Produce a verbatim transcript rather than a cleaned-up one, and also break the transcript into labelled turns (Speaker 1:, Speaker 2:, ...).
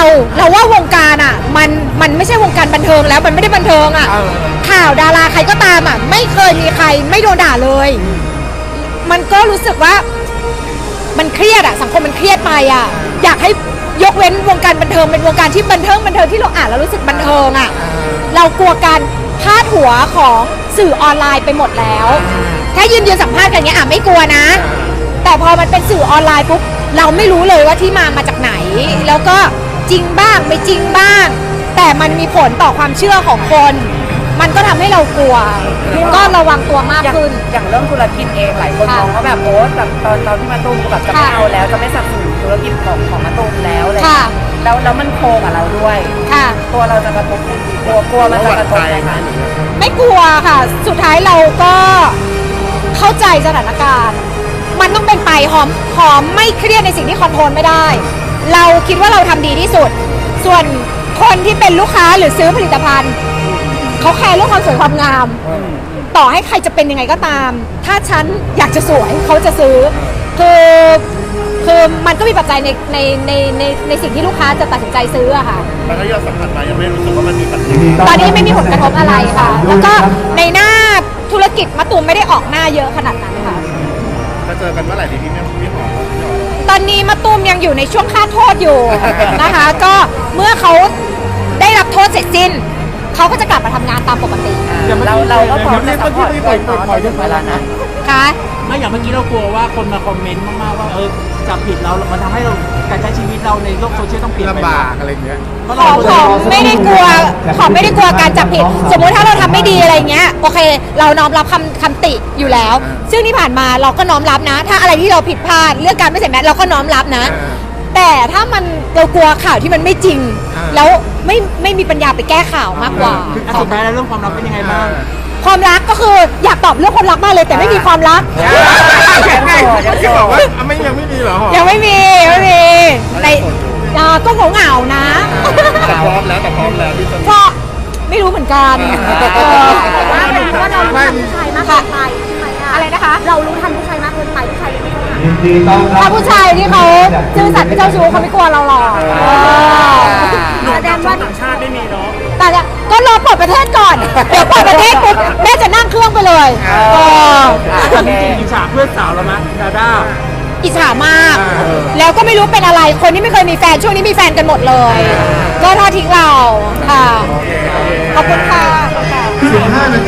Speaker 1: เราว่าวงการอ่ะมันมันไม่ใช่วงการบันเทิงแล้วมันไม่ได้บันเทิงอ่ะข่าวดาราใครก็ตามอ่ะไม่เคยมีใครไม่โดนด่าเลยมันก็รู้สึกว่ามันเครียดอ่ะสังคมมันเครียดไปอ่ะอยากให้ยกเว้นวงการบันเทิงเป็นวงการที่บันเทิงบันเทิงที่เราอ่านแล้วรู้สึกบันเทิงอ่ะเรากลัวการพาดหัวของสื่อออนไลน์ไปหมดแล้วถ้ายืนยืนสัมภาษณ์กันอย่างเงี้ยอ่ะไม่กลัวนะแต่พอมันเป็นสื่อออนไลน์ปุ๊บเราไม่รู้เลยว่าที่มามาจากไหนแล้วก็จริงบ้างไม่จริงบ้างแต่มันมีผลต่อความเชื่อของคนมันก็ทำให้เรากลัวก็ระวังตัวมากขึ้น
Speaker 2: อย่างเรื่องธุรกิจเองหลายคนมองว่าแบบโอ๊ตแบบตอนตอนที่มาตูมแบบจะไม่เอาแล้วจะไม่สนับสนุนธุรกิจของของมาตูมแล้วอะไรแล้วแล้วมันโคกับเราด้วยตัวเราจะกระทบกลัวกลัวมันจะกระทบไหมคะ
Speaker 1: ไม่กลัวค่ะสุดท้ายเราก็เข้าใจสถานการณ์มันต้องเป็นไปหอมหอมไม่เครียดในสิ่งที่คอนโทรลไม่ได้เราคิดว่าเราทำดีที่สุดส่วนคนที่เป็นลูกค้าหรือซื้อผลิตภัณฑ์เขาแคร์เรื่องความสวยความงามต่อให้ใครจะเป็นยังไงก็ตามถ้าฉันอยากจะสวยเขาจะซื้อคือคือมันก็มีปัจจัยในในในในในสิ่งที่ลูกค้าจะตัดสินใจซื้ออะค่ะ
Speaker 3: แล้วก็ยอดสัมผัสมายังไม่รู้สึกว่ามันมีปัญหา
Speaker 1: ตอนนี้ไม่มีผลกระทบอะไรค่ะแล้วก็ในหน้าธุรกิจมะตูมไม่ได้ออกหน้าเยอะขนาดนั้นค่ะ
Speaker 3: จะเจอกันเมื่อไหร่ดีพี่แม่พี่หอม
Speaker 1: ตอนนี้มะตูมยังอยู่ในช่วงค่าโทษอยู่นะคะก็เมื่อเขาได้รับโทษเสร็จสิ้นเขาก็จะกลับมาทำงานตามปกติ
Speaker 2: เราเราก็พร้อมจะซัพพอร์ตด้วยเนาะถึงเวลานั้น
Speaker 1: ค่ะ
Speaker 4: ไม่อย่างเมื่อกี้เรากลัวว่าคนมาคอมเมนต์มากๆว่าเออจับผิดเรามันทำให้เราการใช้ชีวิตเราในโลกโซเชียลต้องเปลี่ยนไป
Speaker 3: ลำบากอะไรเงี้ย
Speaker 1: ขอขอไม่ได้กลัวขอไม่ได้กลัวการจับผิดสมมุติถ้าเราทำไม่ดีอะไรเงี้ยโอเคเราน้อมรับคำคำติอยู่แล้วซึ่งที่ผ่านมาเราก็น้อมรับนะถ้าอะไรที่เราผิดพลาดเรื่องการไม่ใส่แมสเราก็น้อมรับนะแต่ถ้ามันเรากลัวข่าวที่มันไม่จริงแล้วไม่ไม่มีปัญญาไปแก้ข่าวมากกว่า
Speaker 4: สุดท้ายแล้วเรื่องความรักเป็นยังไงบ้าง
Speaker 1: ความรักก็คืออยากตอบเรื่องความรักมากเลยแต่ไม่มีความรัก
Speaker 3: ที่บอกว่าไม่ยังไม่มีเหรอ
Speaker 1: ยังไม่มีไม่มีในก็เหงาเหงานะ
Speaker 3: แต่พร้อมแล้วแต่พร้อมแล้วพี่
Speaker 1: ก็ไม่รู้เหมือนกัน
Speaker 5: ว่าว่าเรารู้ทันผู้ชายมากเกินไปใช่ไหม
Speaker 1: อะไรนะคะ
Speaker 5: เรารู้ทันผู้ชายมากเกินไปผู้ชายยังไม่รู้
Speaker 1: ถ้าผู้ชายที่เขาซื่อสัตย์ไม่เจ้าชู้เขาไม่กลัวเราหรอก
Speaker 4: แสดงว่าต่างชาติไม่มีเนาะ
Speaker 1: แต่ก็รอเปิดประเทศก่อนเดี๋ยวเปิดประเทศปุ๊บแม่จะนั่งเครื่องไปเลย
Speaker 4: ตอนนี้จริงอิจฉาเพื่อนสาวแล้วมั้ยดาด้า
Speaker 1: อิจฉามากแล้วก็ไม่รู้เป็นอะไรคนที่ไม่เคยมีแฟนช่วงนี้มีแฟนกันหมดเลยก็ทอดทิ้งเราค่ะขอบคุณค่ะ